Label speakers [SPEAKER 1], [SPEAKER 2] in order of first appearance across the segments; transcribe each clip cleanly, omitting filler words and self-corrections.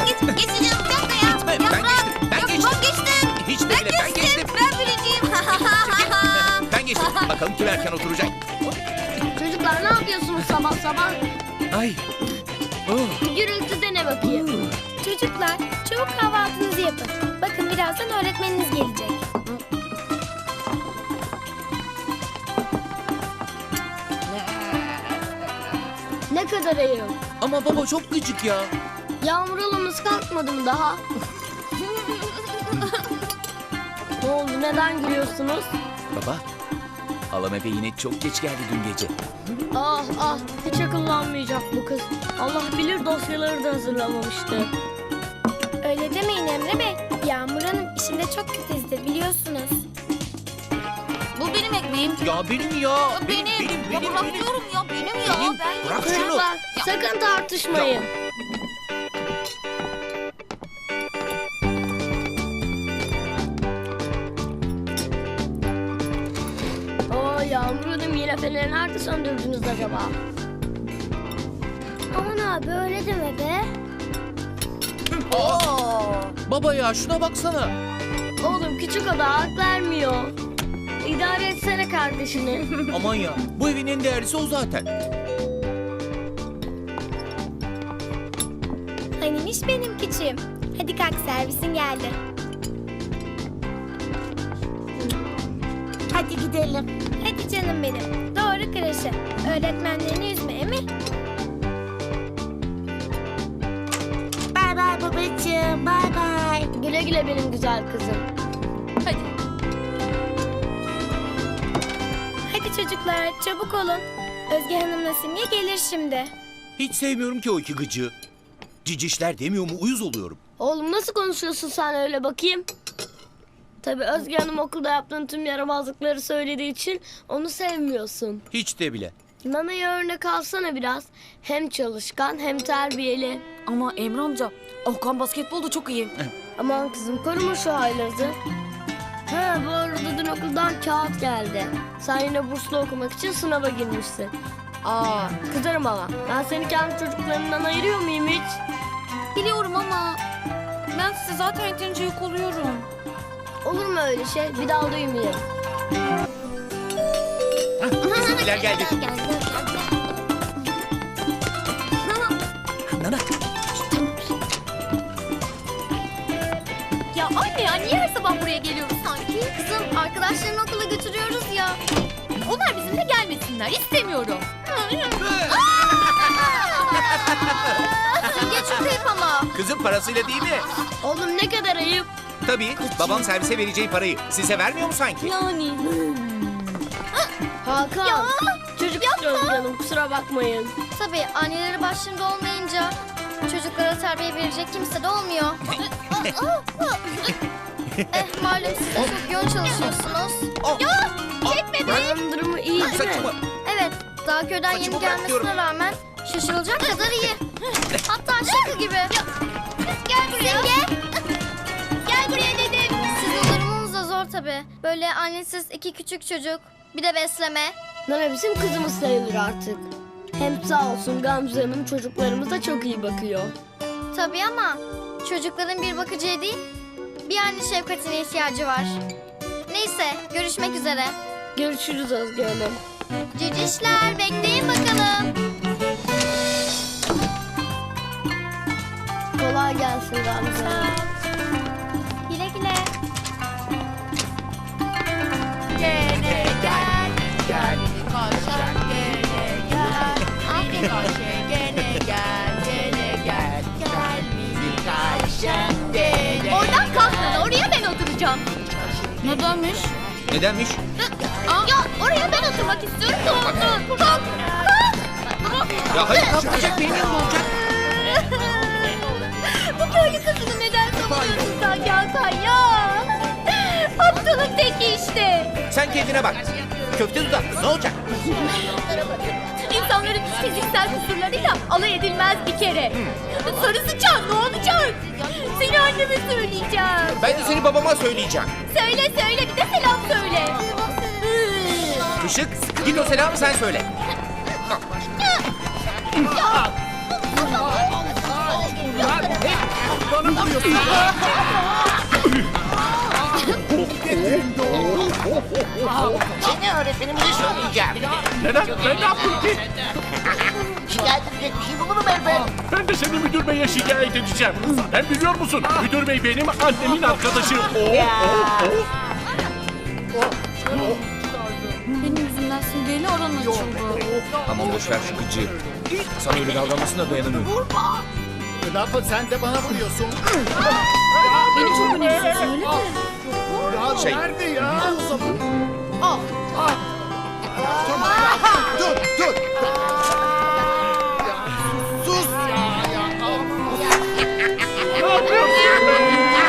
[SPEAKER 1] Geçeceğim bir dakika ya.
[SPEAKER 2] Gitme, ben geçtim, ben geçtim.
[SPEAKER 1] Ben geçtim.
[SPEAKER 2] Hiç de bile ben geçtim.
[SPEAKER 1] Ben birinciyim.
[SPEAKER 2] Ben geçtim. Bakalım kim erken oturacak.
[SPEAKER 3] Çocuklar ne yapıyorsunuz sabah sabah?
[SPEAKER 2] Ay. Oh.
[SPEAKER 3] Gürültü de ne bakayım?
[SPEAKER 4] Çocuklar, çabuk kahvaltınızı yapın. Bakın birazdan öğretmeniniz gelecek.
[SPEAKER 3] Ne kadar ayıp.
[SPEAKER 2] Ama baba çok gıcık ya.
[SPEAKER 3] Yağmur halamız kalkmadı mı daha? Ne oldu, neden gülüyorsunuz?
[SPEAKER 2] Baba, halam eve yine çok geç geldi dün gece.
[SPEAKER 3] Ah ah, hiç akıllanmayacak bu kız. Allah bilir dosyaları da hazırlamamıştı.
[SPEAKER 4] Öyle demeyin Emre Bey. Yağmur Hanım işinde çok titizdir biliyorsunuz.
[SPEAKER 1] Bu benim ekmeğim.
[SPEAKER 2] Ya benim ya.
[SPEAKER 1] Benim. Ya bırak diyorum ya. Benim ya.
[SPEAKER 2] Benim.
[SPEAKER 1] Ben
[SPEAKER 2] Bırak şunu.
[SPEAKER 3] Çocuklar sakın tartışmayın. Oo, Yağmur Hanım yine feneri nerede söndürdünüz acaba?
[SPEAKER 4] Aman abi öyle deme be.
[SPEAKER 2] Baba ya şuna baksana.
[SPEAKER 3] Oğlum küçük ada hak vermiyor. İdare etsene kardeşini.
[SPEAKER 2] Aman ya, bu evin en değerlisi o zaten.
[SPEAKER 4] Hanimiş benim küçüğüm. Hadi kalk servisin geldi.
[SPEAKER 1] Hadi gidelim.
[SPEAKER 4] Hadi canım benim. Doğru kreşe. Öğretmenlerini üzme emi.
[SPEAKER 1] Bay bay babacığım. Bay bay.
[SPEAKER 3] Güle güle benim güzel kızım.
[SPEAKER 1] Hadi.
[SPEAKER 4] Hadi çocuklar çabuk olun. Özge Hanım'la Simge gelir şimdi.
[SPEAKER 2] Hiç sevmiyorum ki o iki gıcığı. Cicişler demiyor mu uyuz oluyorum.
[SPEAKER 3] Oğlum nasıl konuşuyorsun sen öyle bakayım? Tabii Özge Hanım okulda yaptığın tüm yaramazlıkları söylediği için onu sevmiyorsun.
[SPEAKER 2] Hiç de bile.
[SPEAKER 3] Nana'ya örnek alsana biraz. Hem çalışkan hem terbiyeli.
[SPEAKER 1] Ama Emre amca, Okan basketbolda çok iyi.
[SPEAKER 3] Aman kızım koruma şu haylazı. Ha bu arada dün okuldan kağıt geldi. Sen yine burslu okumak için sınava girmişsin. Aa kızarım ama. Ben seni kendi çocuklarından ayırıyor muyum hiç?
[SPEAKER 1] Biliyorum ama ben size zaten yeterince yük oluyorum.
[SPEAKER 3] Olur mu öyle şey? Bir daha duymayayım.
[SPEAKER 2] Bizimkiler geldi. Nana.
[SPEAKER 1] Ya anne ya niye her sabah buraya geliyoruz sanki? Kızım arkadaşlarını okula götürüyoruz ya. Onlar bizimle gelmesinler. İstemiyorum. Simge çok ayıp ama.
[SPEAKER 2] Kızın parasıyla değil mi?
[SPEAKER 3] Oğlum ne kadar ayıp.
[SPEAKER 2] Tabii. Babam servise vereceği parayı size vermiyor mu sanki?
[SPEAKER 1] Yani.
[SPEAKER 3] Hakan.
[SPEAKER 1] Ya,
[SPEAKER 3] Çocuk istiyoruz canım kusura bakmayın.
[SPEAKER 5] Tabii anneleri başlarında olmayınca çocuklara terbiye verecek kimse de olmuyor. Malum siz de çok yoğun çalışıyorsunuz.
[SPEAKER 3] Babanın durumu iyi değil mi?
[SPEAKER 2] Saçımı.
[SPEAKER 5] Evet, daha köyden
[SPEAKER 2] Saçımı
[SPEAKER 5] yeni
[SPEAKER 2] bırakıyorum.
[SPEAKER 5] gelmesine rağmen şaşırılacak kadar iyi. Hatta şaka gibi. Gel buraya. Simge. Gel buraya dedim. Sizin durumunuz da zor tabii. Böyle annesiz iki küçük çocuk, bir de besleme.
[SPEAKER 3] Nana bizim kızımız sayılır artık. Hem sağ olsun Gamze Hanım çocuklarımıza çok iyi bakıyor.
[SPEAKER 5] Tabii ama çocukların bir bakıcıya değil, bir anne şefkatine ihtiyacı var. Neyse, görüşmek üzere.
[SPEAKER 3] Görüşürüz Özge Hanım.
[SPEAKER 5] Cicişler, bekleyin bakalım.
[SPEAKER 3] Kolay gelsin Gamze Hanım.
[SPEAKER 4] Güle güle.
[SPEAKER 1] Gene gel. Gel. Kaşar gene gel. Aferin Ayşe. Gene gel. Gene gel. Gel bizim Ayşem gene. Oradan kalkmadı. Oraya ben oturacağım. Nedenmiş?
[SPEAKER 2] Nedenmiş?
[SPEAKER 1] Ya oraya ben oturmak istiyorum. Kalk. Kalk.
[SPEAKER 2] Ya hayır kalkmayacak benim yanım olacak.
[SPEAKER 1] Bu köylü kızını neden savunuyorsun sen Hakan ya? Aptalın teki işte.
[SPEAKER 2] Sen kendine bak. Köfte dudaklı ne olacak?
[SPEAKER 1] İnsanların fiziksel kusurlarıyla alay edilmez bir kere. Sarısı çan ne olacak? Seni anneme söyleyeceğim.
[SPEAKER 2] Ben de seni babama söyleyeceğim.
[SPEAKER 1] Söyle bir de selam söyle.
[SPEAKER 2] Işık git o selamı sen söyle.
[SPEAKER 6] Seni öğretmenimize söyleyeceğim.
[SPEAKER 7] Neden? Ben ne yaptım ki?
[SPEAKER 6] Şikayet edecek bir şey bulurum elbet.
[SPEAKER 7] Ben de seni müdür beye şikayet edeceğim. Hem biliyor musun? Müdür bey benim annemin arkadaşı.
[SPEAKER 1] Benim yüzümden Simge'yle oran açıldı.
[SPEAKER 2] Aman boş ver şu gıcığı. Sana öyle davranmasına dayanamıyorum.
[SPEAKER 8] Rafa sen de bana vuruyorsun.
[SPEAKER 1] Beni çok önemsiz söyle de.
[SPEAKER 2] Şey-
[SPEAKER 8] Nerede ya? Dur dur. Ya, sus ya.
[SPEAKER 7] Ne yapıyorsun?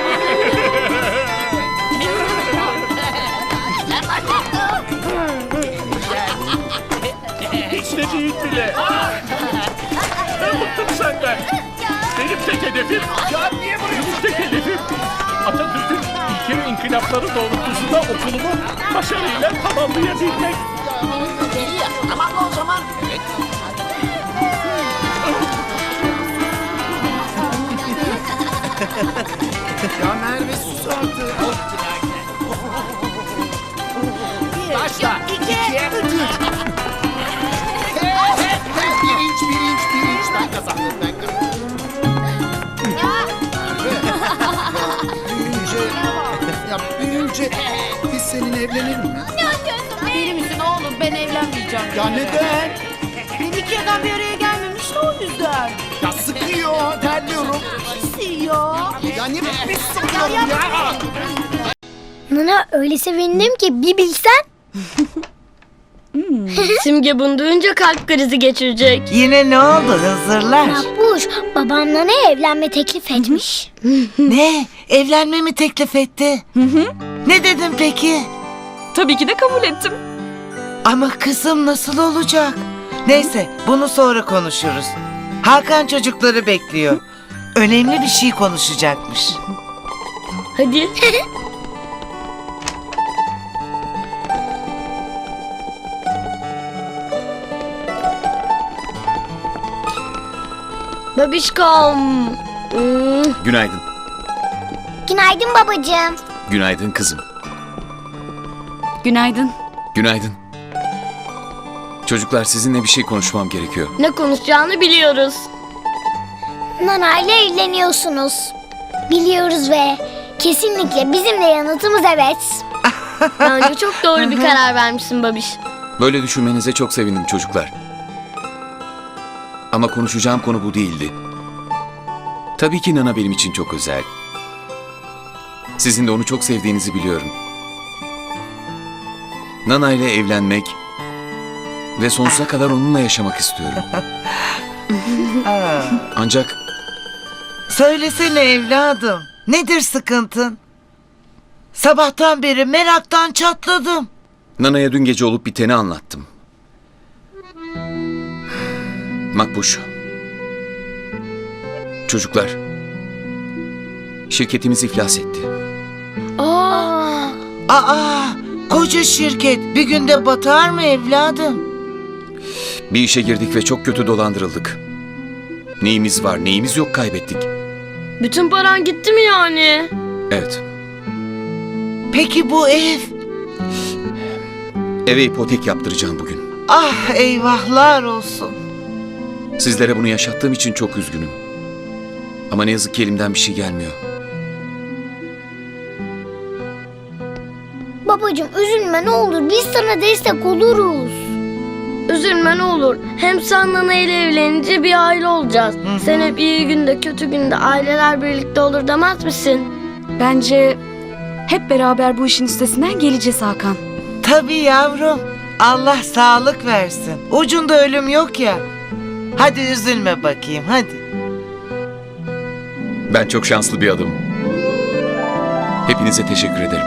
[SPEAKER 7] Hiç de değil bile. Ben bıktım senden. Benim tek hedefim, benim tek hedefim Atatürk'ün ilke ve inkılapları doğrultusunda okulumu başarıyla tamamlayabilmek.
[SPEAKER 6] İyi ya. Tamam mı o zaman?
[SPEAKER 8] Ya Merve sus artık. Başla. İki. Birinç. Ben kazandım. Büyüyünce biz seninle evlenelim mi?
[SPEAKER 1] Deli misin oğlum? Ben evlenmeyeceğim.
[SPEAKER 8] Ya neden?
[SPEAKER 1] Ben iki adam bir araya gelmemiş de o yüzden.
[SPEAKER 8] Ya sıkıyor, terliyorum.
[SPEAKER 1] Ya.
[SPEAKER 8] Ya ne pis sıkıyorum ya.
[SPEAKER 5] Nana öyle sevindim ki bir bilsen.
[SPEAKER 3] Simge bunu duyunca kalp krizi geçirecek.
[SPEAKER 9] Yine ne oldu Hızırlar?
[SPEAKER 5] Makbuş babam Nana'ya evlenme teklif etmiş.
[SPEAKER 9] Ne? Evlenme mi teklif etti? Ne dedin peki?
[SPEAKER 10] Tabii ki de kabul ettim.
[SPEAKER 9] Ama kızım nasıl olacak? Neyse bunu sonra konuşuruz. Hakan çocukları bekliyor. Önemli bir şey konuşacakmış.
[SPEAKER 3] Hadi. Babişkom.
[SPEAKER 2] Günaydın.
[SPEAKER 5] Günaydın babacığım.
[SPEAKER 2] Günaydın kızım.
[SPEAKER 10] Günaydın.
[SPEAKER 2] Günaydın. Çocuklar sizinle bir şey konuşmam gerekiyor.
[SPEAKER 3] Ne konuşacağını biliyoruz.
[SPEAKER 5] Nana ile evleniyorsunuz. Biliyoruz ve kesinlikle bizim de yanıtımız evet.
[SPEAKER 3] Bence çok doğru bir karar vermişsin babiş.
[SPEAKER 2] Böyle düşünmenize çok sevindim çocuklar. Ama konuşacağım konu bu değildi. Tabii ki Nana benim için çok özel. Sizin de onu çok sevdiğinizi biliyorum. Nana ile evlenmek ve sonsuza kadar onunla yaşamak istiyorum. Ancak
[SPEAKER 9] Söylesene evladım. Nedir sıkıntın? Sabahtan beri meraktan çatladım.
[SPEAKER 2] Nana'ya dün gece olup biteni anlattım. Makbuş. Çocuklar. Şirketimiz iflas etti.
[SPEAKER 9] Aa, koca şirket bir günde batar mı evladım?
[SPEAKER 2] Bir işe girdik ve çok kötü dolandırıldık. Neyimiz var, neyimiz yok kaybettik.
[SPEAKER 3] Bütün paran gitti mi yani?
[SPEAKER 2] Evet.
[SPEAKER 9] Peki bu ev?
[SPEAKER 2] Eve ipotek yaptıracağım bugün.
[SPEAKER 9] Ah eyvahlar olsun.
[SPEAKER 2] Sizlere bunu yaşattığım için çok üzgünüm. Ama ne yazık ki elimden bir şey gelmiyor.
[SPEAKER 5] Babacığım üzülme ne olur biz sana destek oluruz.
[SPEAKER 3] Üzülme ne olur. Hem sen Nana ile evlenince bir aile olacağız. Sen hep iyi günde kötü günde aileler birlikte olur demez misin?
[SPEAKER 10] Bence hep beraber bu işin üstesinden geleceğiz Hakan.
[SPEAKER 9] Tabii yavrum. Allah sağlık versin. Ucunda ölüm yok ya. Hadi üzülme bakayım hadi.
[SPEAKER 2] Ben çok şanslı bir adamım. Hepinize teşekkür ederim.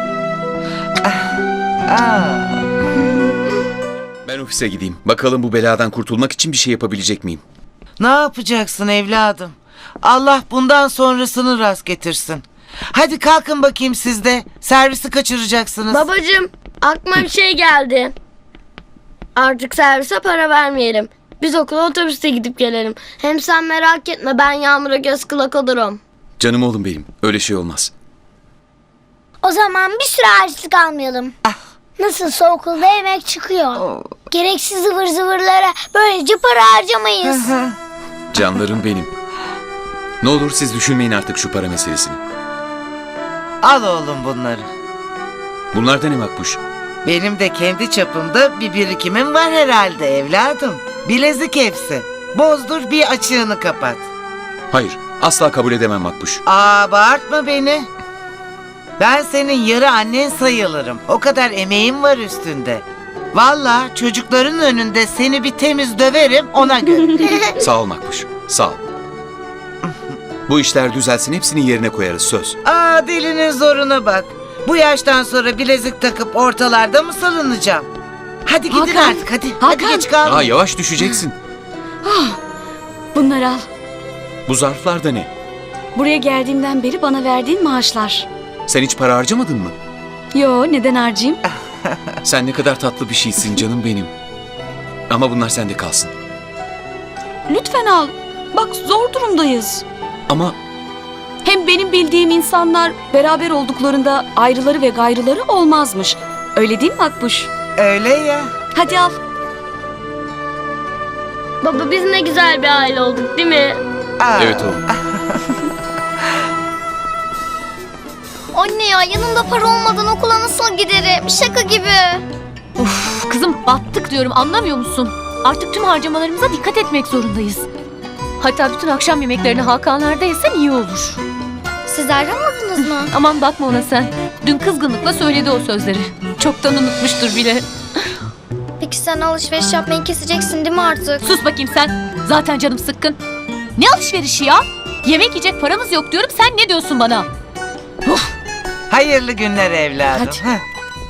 [SPEAKER 9] Aa.
[SPEAKER 2] Ben ofise gideyim. Bakalım bu beladan kurtulmak için bir şey yapabilecek miyim?
[SPEAKER 9] Ne yapacaksın evladım? Allah bundan sonrasını rast getirsin. Hadi kalkın bakayım siz de. Servisi kaçıracaksınız.
[SPEAKER 3] Babacığım aklıma bir şey geldi. Artık servise para vermeyelim. Biz okula otobüste gidip gelelim. Hem sen merak etme ben Yağmur'a göz kulak olurum.
[SPEAKER 2] Canım oğlum benim. Öyle şey olmaz.
[SPEAKER 5] O zaman bir süre harçlık almayalım. Nasılsa okulda yemek çıkıyor. Gereksiz zıvır zıvırlara böylece para harcamayız.
[SPEAKER 2] Canlarım benim. Ne olur siz düşünmeyin artık şu para meselesini.
[SPEAKER 9] Al oğlum bunları.
[SPEAKER 2] Bunlar da ne Makbuş?
[SPEAKER 9] Benim de kendi çapımda bir birikimim var herhalde evladım. Bilezik hepsi. Bozdur bir açığını kapat.
[SPEAKER 2] Hayır, asla kabul edemem Makbuş.
[SPEAKER 9] Bağırtma beni. Ben senin yarı annen sayılırım. O kadar emeğim var üstünde. Vallahi çocukların önünde seni bir temiz döverim ona göre.
[SPEAKER 2] Sağ ol Makbuş, sağ ol. Bu işler düzelsin, hepsini yerine koyarız, söz.
[SPEAKER 9] Dilinin zoruna bak. Bu yaştan sonra bilezik takıp ortalarda mı salınacağım? Hadi gidin
[SPEAKER 10] Hakan,
[SPEAKER 9] artık hadi. Hadi
[SPEAKER 10] Hakan.
[SPEAKER 9] geç kalma.
[SPEAKER 2] Yavaş düşeceksin.
[SPEAKER 10] Bunları al.
[SPEAKER 2] Bu zarflar da ne?
[SPEAKER 10] Buraya geldiğimden beri bana verdiğin maaşlar.
[SPEAKER 2] Sen hiç para harcamadın mı?
[SPEAKER 10] Yo, neden harcayayım?
[SPEAKER 2] Sen ne kadar tatlı bir şeysin canım benim. Ama bunlar sende kalsın.
[SPEAKER 10] Lütfen al. Bak zor durumdayız.
[SPEAKER 2] Ama
[SPEAKER 10] Hem benim bildiğim insanlar beraber olduklarında ayrıları ve gayrıları olmazmış. Öyle değil mi Akbuş?
[SPEAKER 9] Öyle ya.
[SPEAKER 10] Hadi al.
[SPEAKER 3] Baba biz ne güzel bir aile olduk değil mi?
[SPEAKER 2] evet oğlum.
[SPEAKER 5] Anne ya yanımda para olmadan okula nasıl giderim? Şaka gibi.
[SPEAKER 1] Uf, kızım battık diyorum, anlamıyor musun? Artık tüm harcamalarımıza dikkat etmek zorundayız. Hatta bütün akşam yemeklerini Hakanlar'da yesen iyi olur.
[SPEAKER 5] Siz ayrılmadınız mı?
[SPEAKER 1] Aman bakma ona sen. Dün kızgınlıkla söyledi o sözleri. Çoktan unutmuştur bile.
[SPEAKER 5] Peki sen alışveriş yapmayı keseceksin değil mi artık?
[SPEAKER 1] Sus bakayım sen. Zaten canım sıkkın. Ne alışverişi ya? Yemek yiyecek paramız yok diyorum, sen ne diyorsun bana?
[SPEAKER 9] Hayırlı günler evladım.
[SPEAKER 1] Hadi.
[SPEAKER 9] Heh.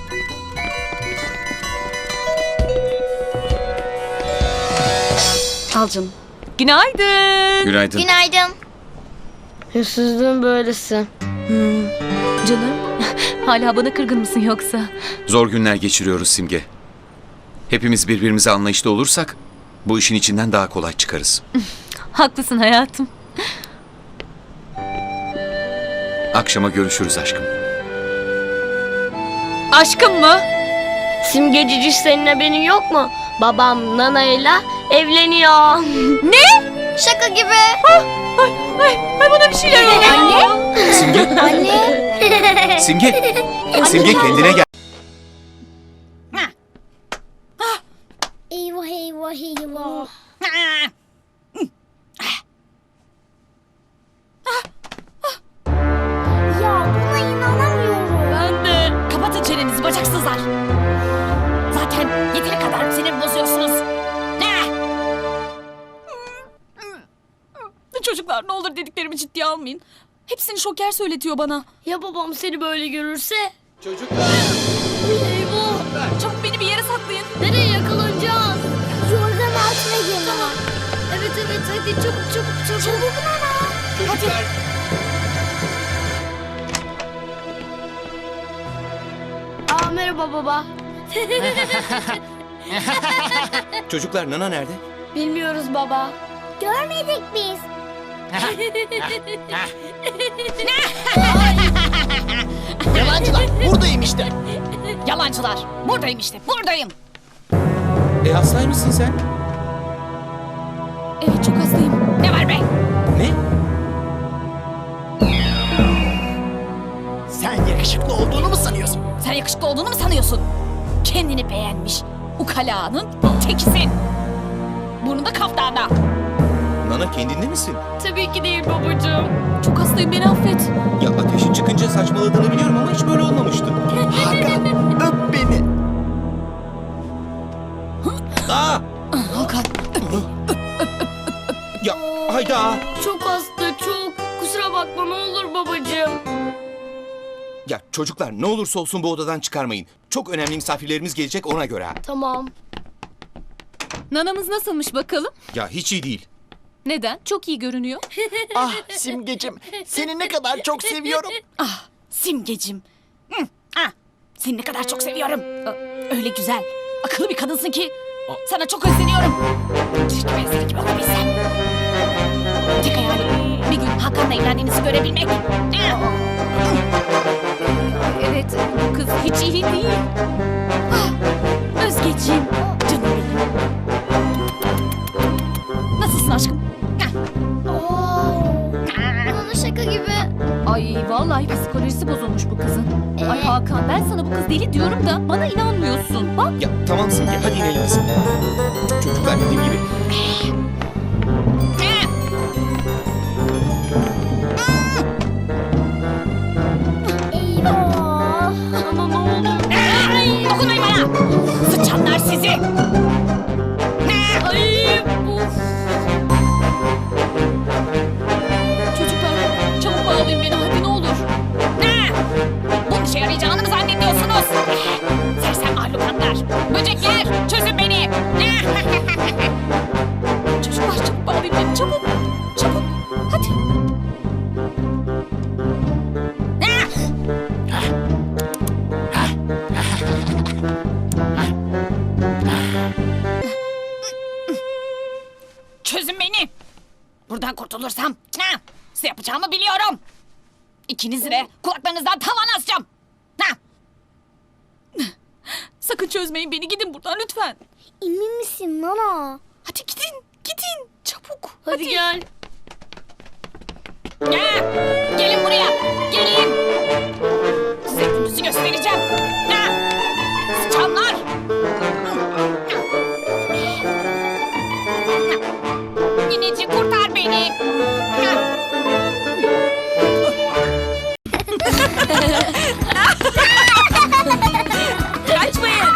[SPEAKER 10] Al canım.
[SPEAKER 1] Günaydın.
[SPEAKER 2] Günaydın.
[SPEAKER 5] Günaydın.
[SPEAKER 3] Hırsızlığın böylesi.
[SPEAKER 1] Canım, hala bana kırgın mısın yoksa?
[SPEAKER 2] Zor günler geçiriyoruz Simge. Hepimiz birbirimize anlayışlı olursak bu işin içinden daha kolay çıkarız.
[SPEAKER 1] Haklısın hayatım.
[SPEAKER 2] Akşama görüşürüz aşkım.
[SPEAKER 1] Aşkım mı?
[SPEAKER 3] Simge Ciciş senin haberin yok mu? Babam Nana'yla evleniyor.
[SPEAKER 5] Şaka gibi.
[SPEAKER 1] Ay bana bir şeyler oluyor. Anne.
[SPEAKER 2] Simge,
[SPEAKER 5] Anne.
[SPEAKER 2] Simge, Simge kendine gel.
[SPEAKER 5] Eyvah eyvah eyvah. Ya buna inanamıyorum.
[SPEAKER 4] Ben de. Kapatın çenenizi bacaksızlar. Zaten yeteri kadar sinir bozuyorsunuz. Çocuklar ne olur dediklerimi ciddiye almayın. Hepsini Şoker söyletiyor bana.
[SPEAKER 3] Ya babam seni böyle görürse?
[SPEAKER 8] Çocuklar.
[SPEAKER 3] Eyvah.
[SPEAKER 4] Çabuk beni bir yere saklayın.
[SPEAKER 3] Nereye yakalanacağız?
[SPEAKER 5] Yorgan altına gir.
[SPEAKER 3] Tamam. Evet hadi çabuk çabuk. Çabuk Nana.
[SPEAKER 8] Çocuklar.
[SPEAKER 3] Merhaba baba.
[SPEAKER 8] Çocuklar Nana nerede?
[SPEAKER 3] Bilmiyoruz baba.
[SPEAKER 5] Görmedik biz.
[SPEAKER 6] Yalancılar buradayım işte.
[SPEAKER 4] Yalancılar. Buradayım işte buradayım.
[SPEAKER 8] Hastaymışsın sen.
[SPEAKER 4] Evet çok hastayım. Ne var be?
[SPEAKER 8] Ne?
[SPEAKER 6] Sen yakışıklı olduğunu mu sanıyorsun?
[SPEAKER 4] Sen yakışıklı olduğunu mu sanıyorsun? Kendini beğenmiş. Ukalanın tekisin. Burnu da kaftanda.
[SPEAKER 8] Nana kendinde misin?
[SPEAKER 3] Tabii ki değil babacığım.
[SPEAKER 4] Çok hastayım beni affet.
[SPEAKER 8] Ya ateşin çıkınca saçmaladığını biliyorum ama hiç böyle olmamıştı.
[SPEAKER 6] Hakan öp beni.
[SPEAKER 8] Aa!
[SPEAKER 4] Hakan.
[SPEAKER 8] Ya hayda!
[SPEAKER 3] Çok hasta çok. Kusura bakma ne olur babacığım.
[SPEAKER 8] Ya çocuklar ne olursa olsun bu odadan çıkarmayın. Çok önemli misafirlerimiz gelecek ona göre.
[SPEAKER 3] Tamam.
[SPEAKER 1] Nanamız nasılmış bakalım?
[SPEAKER 8] Ya hiç iyi değil.
[SPEAKER 1] Neden? Çok iyi görünüyor.
[SPEAKER 6] Ah Simgecim seni ne kadar çok seviyorum.
[SPEAKER 4] Ah Simgecim. Seni ne kadar çok seviyorum. Öyle güzel. Akıllı bir kadınsın ki. Sana çok özleniyorum. Keşke ben senin gibi olabilsem. Tek hayalim bir gün Hakan'la evlendiğinizi görebilmek.
[SPEAKER 1] Evet, bu kız hiç iyi değil.
[SPEAKER 4] Özgeciğim, canım benim. Nasılsın aşkım?
[SPEAKER 5] Bana şaka gibi.
[SPEAKER 1] Ay vallahi psikolojisi bozulmuş bu kızın. Ay Hakan, ben sana bu kız deli diyorum da bana inanmıyorsun. Bak.
[SPEAKER 8] Ya tamam Simge, hadi inelim biz. Çocuklar dediğim gibi.
[SPEAKER 5] Eyvah.
[SPEAKER 3] Ama ne oldu?
[SPEAKER 4] Dokunmayın bana! Sıçanlar sizi!
[SPEAKER 3] Ay uf.
[SPEAKER 4] Çocuklar, çabuk bağlayın beni hadi ne olur. Bu işe yarayacağını mı zannediyorsunuz? Sersem mahlukatlar, böcekler, çözün beni! Çocuklar çabuk bağlayın beni, çabuk! Çabuk, hadi! Çözün beni! Buradan kurtulursam size yapacağımı biliyorum. İkinizi de kulaklarınızdan tavan asacağım. Sakın çözmeyin beni, gidin buradan lütfen.
[SPEAKER 5] Emin misin Nana?
[SPEAKER 4] Hadi gidin çabuk.
[SPEAKER 3] Hadi gel.
[SPEAKER 4] Gelin buraya, gelin. Size gününüzü göstereceğim. Sıçanlar. Nineci kurtar beni. Kaçmayın.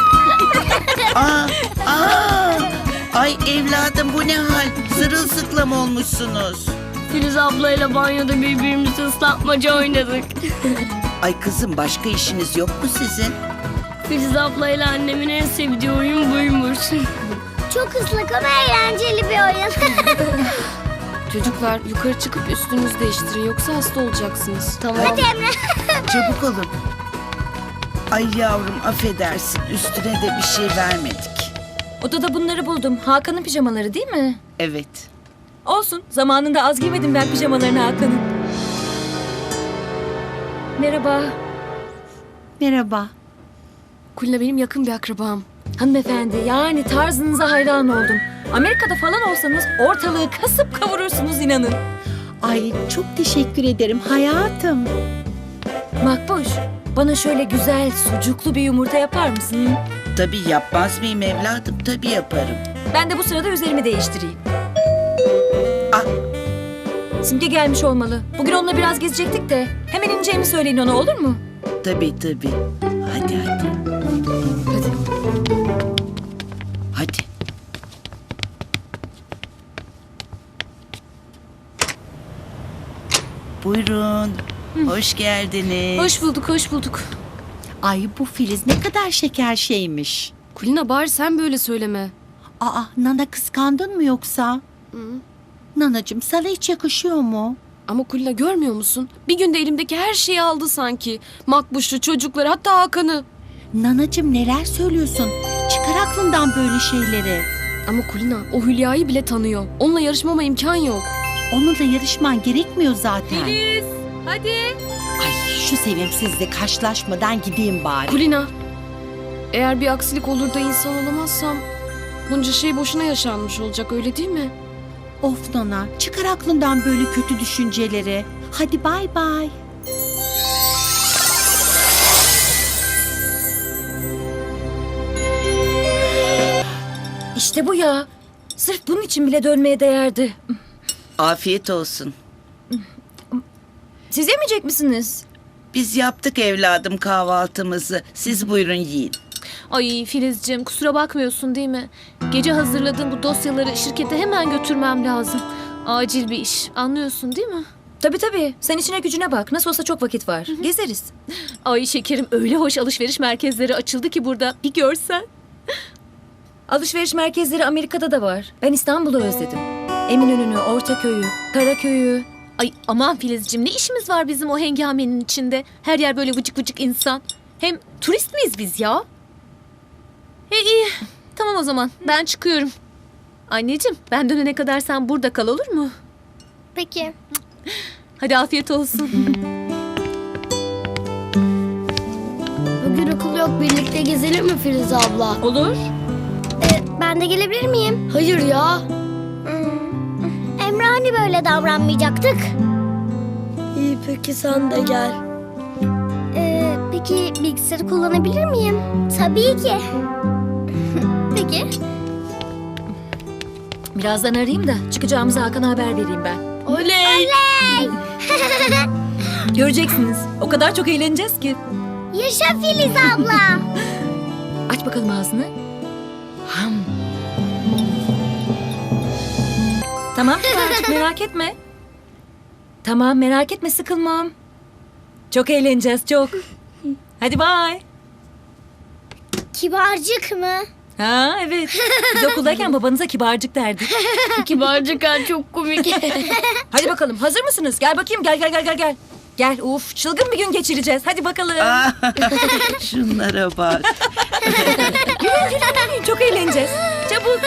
[SPEAKER 9] Ay evladım bu ne hal? Sırılsıklam olmuşsunuz.
[SPEAKER 3] Filiz ablayla banyoda birbirimizi ıslatmaca oynadık.
[SPEAKER 9] Ay kızım başka işiniz yok mu sizin?
[SPEAKER 3] Filiz ablayla annemin en sevdiği oyun buymuş.
[SPEAKER 5] Çok ıslak ama eğlenceli bir oyun.
[SPEAKER 11] Çocuklar yukarı çıkıp üstünüzü değiştirin yoksa hasta olacaksınız.
[SPEAKER 3] Tamam.
[SPEAKER 5] Hadi Emre.
[SPEAKER 9] Çabuk olun. Ay yavrum affedersin üstüne de bir şey vermedik.
[SPEAKER 10] Odada bunları buldum. Hakan'ın pijamaları değil mi?
[SPEAKER 9] Evet.
[SPEAKER 10] Olsun. Zamanında az giymedim ben pijamalarını Hakan'ın. Merhaba.
[SPEAKER 9] Merhaba.
[SPEAKER 11] Kulina benim yakın bir akrabam.
[SPEAKER 10] Hanımefendi yani tarzınıza hayran oldum. Amerika'da falan olsanız ortalığı kasıp kavurursunuz inanın.
[SPEAKER 12] Ay çok teşekkür ederim hayatım.
[SPEAKER 10] Makbuş, bana şöyle güzel sucuklu bir yumurta yapar mısın?
[SPEAKER 9] Tabii yapmaz mıyım evladım? Tabii yaparım.
[SPEAKER 10] Ben de bu sırada üzerimi değiştireyim.
[SPEAKER 9] Ah.
[SPEAKER 10] Simge gelmiş olmalı. Bugün onunla biraz gezecektik de. Hemen ineceğimi söyleyin ona, olur mu?
[SPEAKER 9] Tabii. Hadi. Hadi. Buyurun. Hoş geldiniz.
[SPEAKER 11] Hoş bulduk.
[SPEAKER 12] Ay bu Filiz ne kadar şeker şeymiş.
[SPEAKER 11] Kulina bari sen böyle söyleme.
[SPEAKER 12] Aa Nana kıskandın mı yoksa? Nanacığım sana hiç yakışıyor mu?
[SPEAKER 11] Ama Kulina görmüyor musun? Bir günde elimdeki her şeyi aldı sanki. Makbuşlu, çocukları, hatta Hakan'ı.
[SPEAKER 12] Nanacığım neler söylüyorsun? Çıkar aklından böyle şeyleri.
[SPEAKER 11] Ama Kulina o Hülya'yı bile tanıyor. Onunla yarışmama imkan yok.
[SPEAKER 12] Onunla yarışman gerekmiyor zaten.
[SPEAKER 1] Filiz, hadi.
[SPEAKER 12] Ay şu sevimsizle karşılaşmadan gideyim bari.
[SPEAKER 11] Kulina, eğer bir aksilik olur da insan olamazsam bunca şey boşuna yaşanmış olacak, öyle değil mi?
[SPEAKER 12] Of Nana çıkar aklından böyle kötü düşünceleri. Hadi bay bay.
[SPEAKER 10] İşte bu ya. Sırf bunun için bile dönmeye değerdi.
[SPEAKER 9] Afiyet olsun.
[SPEAKER 10] Siz yemeyecek misiniz?
[SPEAKER 9] Biz yaptık evladım kahvaltımızı. Siz buyurun yiyin.
[SPEAKER 1] Ay Filizciğim, kusura bakmıyorsun değil mi? Gece hazırladığım bu dosyaları şirkete hemen götürmem lazım. Acil bir iş. Anlıyorsun değil mi?
[SPEAKER 10] Tabii. Sen içine gücüne bak. Nasıl olsa çok vakit var. Gezeriz.
[SPEAKER 1] Ay şekerim, öyle hoş alışveriş merkezleri açıldı ki burada. Bir görsen.
[SPEAKER 10] Alışveriş merkezleri Amerika'da da var. Ben İstanbul'u özledim. Eminönü'nü, Ortaköy'ü, Karaköy'ü.
[SPEAKER 1] Ay aman Filizciğim, ne işimiz var bizim o hengamenin içinde? Her yer böyle vıcık vıcık insan. Hem turist miyiz biz ya? İyi. Tamam o zaman. Ben çıkıyorum. Anneciğim, ben dönene kadar sen burada kal, olur mu?
[SPEAKER 5] Peki.
[SPEAKER 1] Hadi afiyet olsun.
[SPEAKER 3] Bugün okul yok, birlikte gezelim mi Filiz abla?
[SPEAKER 1] Olur.
[SPEAKER 5] Ben de gelebilir miyim?
[SPEAKER 3] Hayır ya.
[SPEAKER 5] Emre hani böyle davranmayacaktık?
[SPEAKER 3] İyi peki sen de gel.
[SPEAKER 5] Peki bilgisayarı kullanabilir miyim? Tabii ki. Peki.
[SPEAKER 1] Birazdan arayayım da çıkacağımızı Hakan'a haber vereyim ben.
[SPEAKER 3] Oley.
[SPEAKER 1] Göreceksiniz. O kadar çok eğleneceğiz ki.
[SPEAKER 5] Yaşa Filiz abla.
[SPEAKER 1] Aç bakalım ağzını. Ham. Tamam Kibarcık merak etme. Tamam merak etme sıkılmam. Çok eğleneceğiz çok. Hadi bye.
[SPEAKER 5] Kibarcık mı?
[SPEAKER 1] Ha evet. Biz okuldayken babanıza kibarcık derdik.
[SPEAKER 3] Kibarcık çok komik.
[SPEAKER 1] Hadi bakalım hazır mısınız? Gel bakayım gel. Gel uf çılgın bir gün geçireceğiz. Hadi bakalım.
[SPEAKER 9] Şunlara bak.
[SPEAKER 1] Gülün, çok eğleneceğiz. Çabuk.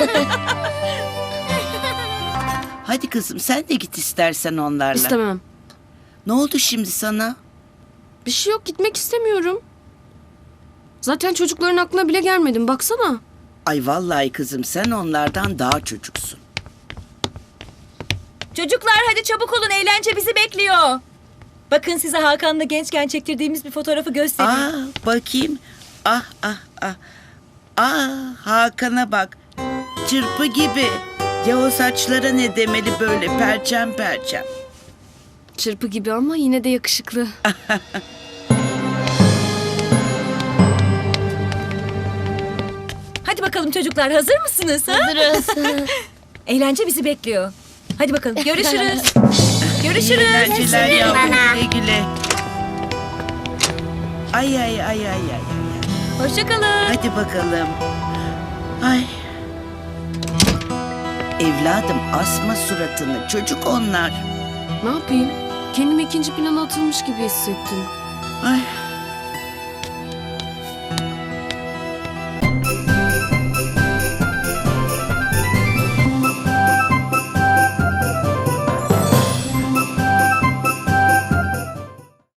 [SPEAKER 9] Hadi kızım sen de git istersen onlarla.
[SPEAKER 11] İstemem.
[SPEAKER 9] Ne oldu şimdi sana?
[SPEAKER 11] Bir şey yok, gitmek istemiyorum. Zaten çocukların aklına bile gelmedim, baksana.
[SPEAKER 9] Ay vallahi kızım sen onlardan daha çocuksun.
[SPEAKER 1] Çocuklar hadi çabuk olun eğlence bizi bekliyor. Bakın size Hakan'la gençken çektirdiğimiz bir fotoğrafı göstereyim.
[SPEAKER 9] Bakayım. Hakan'a bak. Çırpı gibi. Ya o saçlara ne demeli böyle perçem.
[SPEAKER 11] Çırpı gibi ama yine de yakışıklı.
[SPEAKER 1] Hadi bakalım çocuklar hazır mısınız?
[SPEAKER 3] Hazırız.
[SPEAKER 1] Eğlence bizi bekliyor. Hadi bakalım görüşürüz. Görüşürüz.
[SPEAKER 9] Eğlenceler yavrum güle. Ay.
[SPEAKER 1] Hoşçakalın.
[SPEAKER 9] Hadi bakalım. Ay. Evladım asma suratını. Çocuk onlar.
[SPEAKER 11] Ne yapayım? Kendimi ikinci plana atılmış gibi hissettim.
[SPEAKER 9] Ay.